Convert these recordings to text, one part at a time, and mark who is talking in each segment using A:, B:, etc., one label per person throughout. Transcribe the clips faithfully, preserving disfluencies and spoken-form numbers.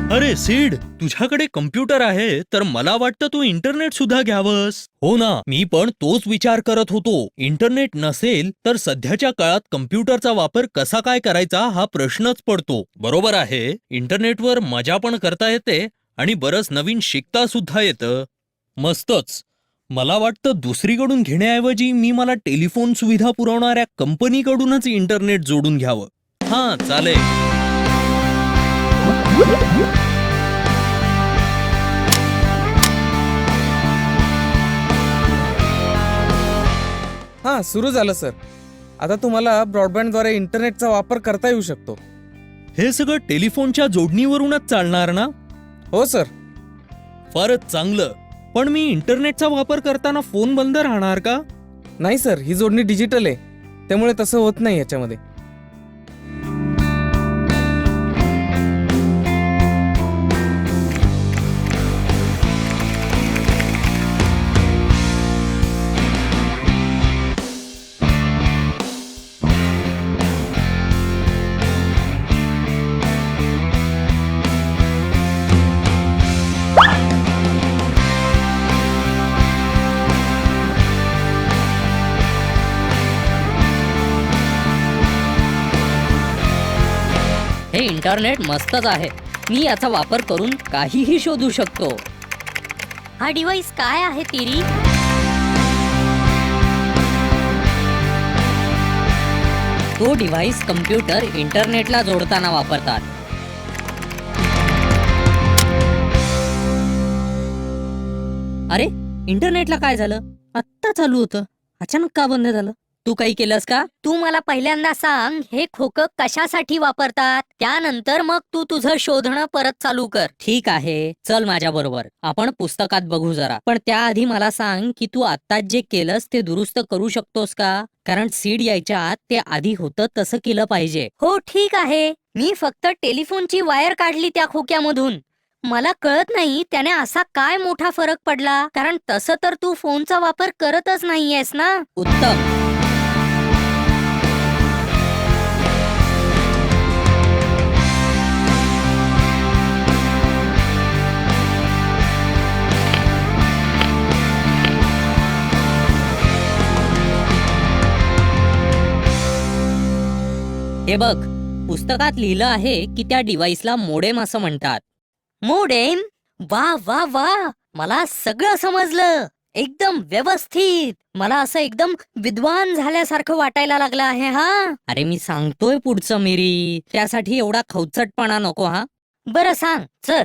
A: अरे सीड, तुझ्याकडे कम्प्युटर आहे तर मला वाटतं तू इंटरनेट सुद्धा घ्यावंस. हो ना, मी पण तोच विचार करत होतो. इंटरनेट नसेल तर सध्याच्या काळात कम्प्युटरचा वापर कसा काय करायचा हा प्रश्नच पडतो. बरोबर आहे, इंटरनेटवर मजा पण करता येते आणि बरंच नवीन शिकता सुद्धा येतं. मस्तच. मला वाटतं दुसरीकडून घेण्याऐवजी मी मला टेलिफोन सुविधा पुरवणाऱ्या कंपनीकडूनच इंटरनेट जोडून घ्यावं. हां, चालेल.
B: हां, सुरू झालं सर. आता तुम्हाला ब्रॉडबँडद्वारे इंटरनेटचा वापर करता येऊ शकतो.
A: हे सगळं टेलिफोनच्या जोडणीवरूनच चालणार ना?
B: हो सर.
A: फारच चांगलं. पण मी इंटरनेटचा वापर करताना फोन बंद राहणार का?
B: नाही सर, ही जोडणी डिजिटल आहे, त्यामुळे तसं होत नाही याच्यामध्ये.
C: हे इंटरनेट मस्तच आहे. मी याचा वापर करून काहीही शोधू शकतो.
D: हा डिव्हाइस काय आहे तिरी?
C: तो डिव्हाइस कम्प्युटर इंटरनेटला जोडताना वापरतात. अरे, इंटरनेटला काय झालं? आत्ता चालू होतं, अचानक का बंद झालं? तू काही केलंस का?
D: तू मला पहिल्यांदा सांग, हे खोकं कशासाठी वापरतात, त्यानंतर मग तू तुझं शोधणं परत चालू कर.
C: ठीक आहे, चल माझ्या बरोबर. आपण पुस्तकात बघू जरा. पण त्याआधी मला सांग की तू आत्ताच जे केलंस ते दुरुस्त करू शकतोस का? कारण सीड यायच्या आत ते आधी होतं तसं केलं पाहिजे.
D: हो ठीक आहे, मी फक्त टेलिफोनची वायर काढली त्या खोक्यामधून. मला कळत नाही त्याने असा काय मोठा फरक पडला, कारण तसं तर तू फोनचा वापर करतच नाहीयेस ना.
C: उत्तम. हे बघ, पुस्तकात लिहिलं आहे की त्या डिव्हाइसला मोडेम असं म्हणतात.
D: मोडेम? वा वा वा, मला सगळं समजलं. एकदम व्यवस्थित. मला असं एकदम विद्वान झाल्यासारखं वाटायला लागलं आहे. हा,
C: अरे मी सांगतोय पुढचं मिरी, त्यासाठी एवढा खवचटपणा नको. हा,
D: बरं सांग, चल.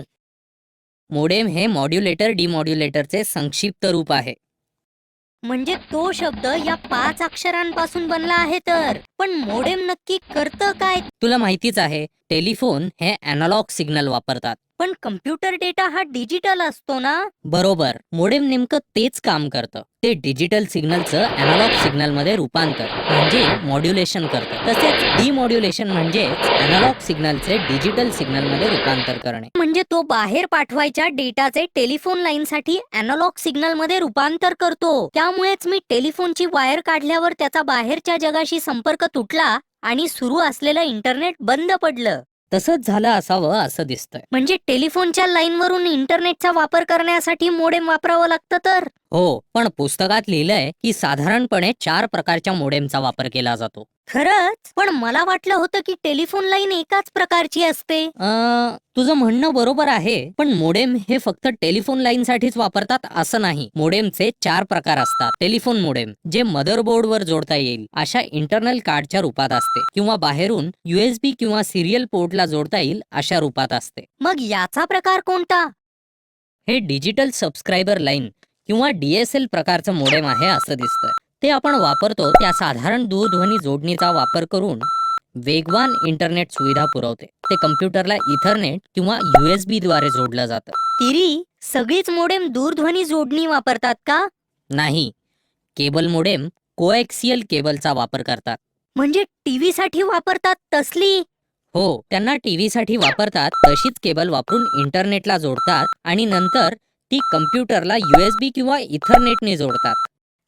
C: मोडेम हे मॉड्युलेटर डिमॉड्युलेटरचे संक्षिप्त रूप आहे.
D: म्हणजे तो शब्द या पाच अक्षरांपासून बनला आहे तर. पण मोडेम नक्की करतं काय?
C: तुला माहितीच आहे, टेलिफोन हे अॅनालॉग सिग्नल वापरतात.
D: पण कम्प्युटर डेटा हा डिजिटल असतो ना.
C: बरोबर, मोडेम नेमकं तेच काम करतं. ते डिजिटल सिग्नलचं अॅनालॉग सिग्नल मध्ये रूपांतर म्हणजे मॉड्युलेशन करतं. तसेच डिमॉड्युलेशन म्हणजे अॅनालॉग सिग्नलचे डिजिटल सिग्नल मध्ये रूपांतर करणे.
D: म्हणजे तो बाहेर पाठवायच्या डेटाचे टेलिफोन लाईन साठी अॅनालॉग सिग्नल मध्ये रूपांतर करतो. त्यामुळेच मी टेलिफोनची वायर काढल्यावर त्याचा बाहेरच्या जगाशी संपर्क तुटला आणि सुरू असलेलं इंटरनेट बंद पडलं.
C: तसंच झालं असावं असं दिसतंय.
D: म्हणजे टेलिफोनच्या लाईन वरून इंटरनेटचा वापर करण्यासाठी मोडेम वापरावं लागतं तर.
C: हो, पण पुस्तकात लिहिलंय की साधारणपणे चार प्रकारच्या मोडेमचा वापर केला जातो.
D: खरंच? पण मला वाटलं होतं की टेलिफोन लाईन एकाच प्रकारची असते.
C: अं, तुझं म्हणणं बरोबर आहे, पण मोडेम हे फक्त टेलिफोन लाईन साठीच वापरतात असं नाही. मोडेमचे चार प्रकार असतात. टेलिफोन मोडेम जे मदरबोर्ड वर जोडता येईल अशा इंटरनल कार्डच्या रूपात असते, किंवा बाहेरून युएसबी किंवा सिरियल पोर्टला जोडता येईल अशा रूपात असते.
D: मग याचा प्रकार कोणता?
C: हे डिजिटल सबस्क्रायबर लाईन किंवा डीएसएल प्रकारचं मोडेम आहे असं दिसतंय. ते आपण वापरतो त्या साधारण दूरध्वनी जोडणीचा वापर करून वेगवान इंटरनेट सुविधा पुरवते. ते कम्प्युटरला इथरनेट किंवा युएसबी द्वारे जोडलं जातं.
D: तिरी, सगळीच मोडेम दूरध्वनी जोडणी वापरतात का?
C: नाही, केबल मोडेम कोएक्सियल केबलचा वापर करतात.
D: म्हणजे टीव्ही साठी वापरतात तसली?
C: हो, त्यांना टीव्ही साठी वापरतात तशीच केबल वापरून इंटरनेटला जोडतात आणि नंतर ती कम्प्युटरला युएसबी किंवा इथरनेटने जोडतात.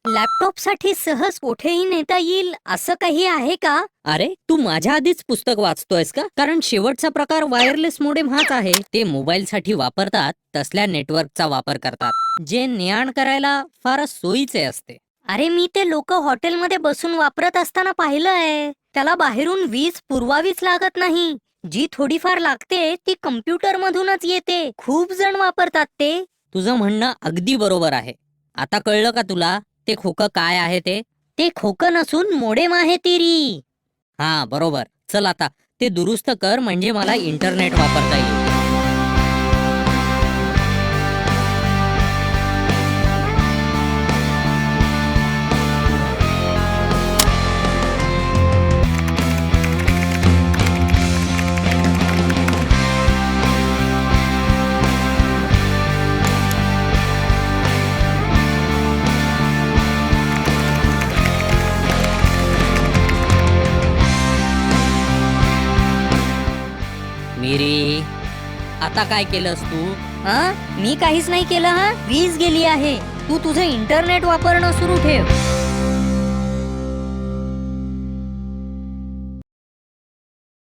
D: लॅपटॉप साठी सहज कुठेही नेता येईल असं काही आहे का?
C: अरे तू माझ्या आधीच पुस्तक वाचतोयस का? कारण शेवटचा प्रकार वायरलेस मोडेम हाच आहे. ते मोबाईल साठी वापरतात तसल्या नेटवर्कचा वापर करतात जे ने-आण करायला फारच सोयीचे असते.
D: अरे मी ते लोक हॉटेलमध्ये बसून वापरत असताना पाहिलंय. त्याला बाहेरून वीज पुरवावीच लागत नाही. जी थोडीफार लागते ती कम्प्युटर मधूनच येते. खूप जण वापरतात ते.
C: तुझं म्हणणं अगदी बरोबर आहे. आता कळलं का तुला ते खोकं काय आहे ते?
D: ते खोकं नसून मोडेम आहे तिरी.
C: हा बरोबर. चल आता ते दुरुस्त कर म्हणजे मला इंटरनेट वापरता येईल. मिरी, आता काय केलंस तू?
D: हा मी काहीच नाही केलं. हा वीज गेली आहे. तू तुझं इंटरनेट वापरणं सुरू ठेव.